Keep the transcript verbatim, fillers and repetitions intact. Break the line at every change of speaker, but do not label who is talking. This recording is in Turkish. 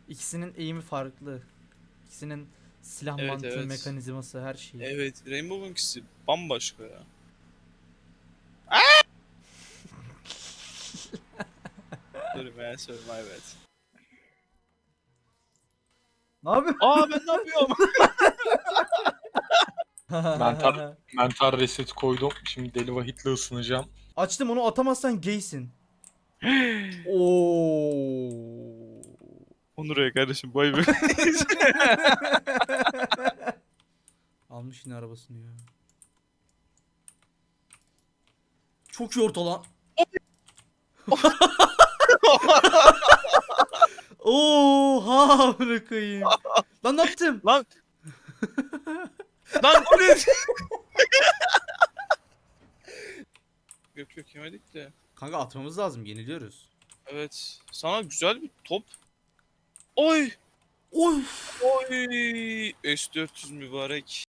İkisinin eğimi farklı. İkisinin silah
Evet,
mantığı,
evet.
mekanizması, her şeyi.
Evet, Rainbow'unkisi bambaşka ya. Sorry man, sorry my bad.
Ne yapıyorsun?
Aa ben ne yapıyorum?
Mental, mental reset koydum. Şimdi deli vahitle ısınacağım.
Açtım, onu atamazsan gaysin. Oo.
Onur'a kardeşim bay bay.
Almış yine arabasını ya. Çok iyi orta lan. Oha bırakayım. Lan ne yaptım?
Lan. Lan o ne? Yok yok yemedik de.
Kanka atmamız lazım, yeniliyoruz.
Evet. Sana güzel bir top. Oy.
Oy.
Oy. S dört yüz mübarek.